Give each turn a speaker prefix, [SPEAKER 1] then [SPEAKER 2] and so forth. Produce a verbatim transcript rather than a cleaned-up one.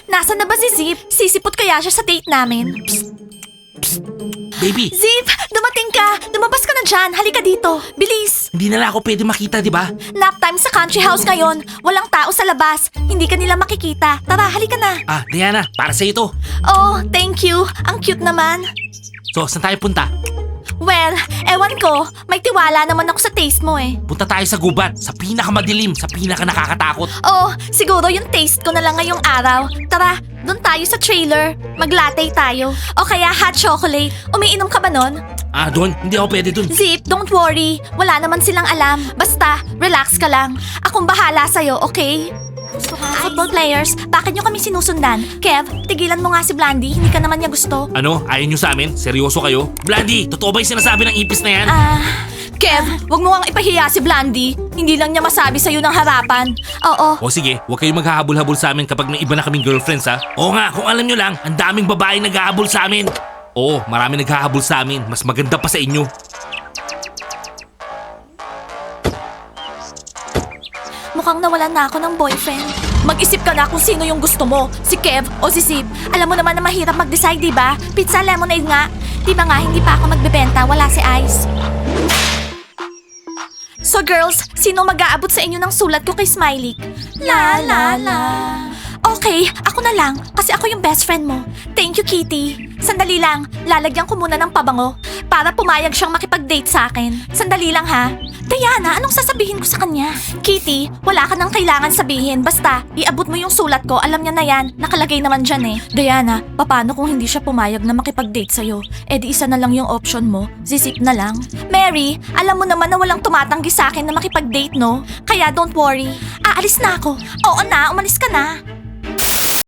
[SPEAKER 1] Nasaan na ba si Zip? Sisipot kaya siya sa date namin?
[SPEAKER 2] Baby,
[SPEAKER 1] Zip! Dumating ka! Lumabas ka na dyan! Halika dito! Bilis!
[SPEAKER 2] hindi na lang ako pwede makita, di ba?
[SPEAKER 1] Nap time sa country house ngayon. Walang tao sa labas. Hindi ka nila makikita. Tara, halika na.
[SPEAKER 2] Ah, Diana, para sa ito.
[SPEAKER 1] Oh, thank you. Ang cute naman.
[SPEAKER 2] So, saan tayo punta?
[SPEAKER 1] Well, ewan ko. May tiwala naman ako sa taste mo eh.
[SPEAKER 2] Punta tayo sa gubat, sa pinakamadilim, sa pinaka nakakatakot.
[SPEAKER 1] Oh, siguro yung taste ko na lang ngayong araw. Tara, doon tayo sa trailer. Maglatte tayo. O kaya hot chocolate. Umiinom ka ba nun?
[SPEAKER 2] Ah, doon? Hindi ako pwede doon.
[SPEAKER 1] Zip, don't worry. Wala naman silang alam. Basta, relax ka lang. Akong bahala sa'yo, okay? Football players, bakit nyo kami sinusundan? Kev, tigilan mo nga si Blandy. Hindi ka naman niya gusto.
[SPEAKER 2] Ano? Ayaw nyo sa amin? Seryoso kayo? Blandy, totoo ba yung sinasabi ng ipis na yan?
[SPEAKER 1] Ah, Kev, wag mo kang ipahiya si Blandy. Hindi lang niya masabi sa'yo ng harapan. Oo.
[SPEAKER 2] O sige, huwag kayong maghahabol-habol sa amin kapag may iba na kaming girlfriends ha. Oo nga, kung alam nyo lang, ang daming babae naghahabol sa amin. Oo, marami naghahabol sa amin. Mas maganda pa sa inyo.
[SPEAKER 1] Mukhang nawalan na ako ng boyfriend. Mag-isip ka na kung sino yung gusto mo, si Kev o si Zip. Alam mo naman na mahirap mag-decide, di ba? Pizza lemonade nga. Di ba nga, hindi pa ako magbebenta, wala si Ice. So girls, sino mag-aabot sa inyo ng sulat ko kay Smiley? La la la. Okay, ako na lang, kasi ako yung best friend mo. Thank you, Kitty. Sandali lang, lalagyan ko muna ng pabango para pumayag siyang makipag-date sa akin. Sandali lang ha. Diana, anong sasabihin ko sa kanya? Kitty, wala ka nang kailangan sabihin. Basta, iabot mo yung sulat ko. Alam niya na yan. Nakalagay naman dyan eh. Diana, paano kung hindi siya pumayag na makipag-date sa'yo? Eh di isa na lang yung option mo. Zizip na lang. Mary, alam mo naman na walang tumatanggi sa akin na makipag-date, no? Kaya don't worry. Aalis na ako. Oo na, umalis ka na.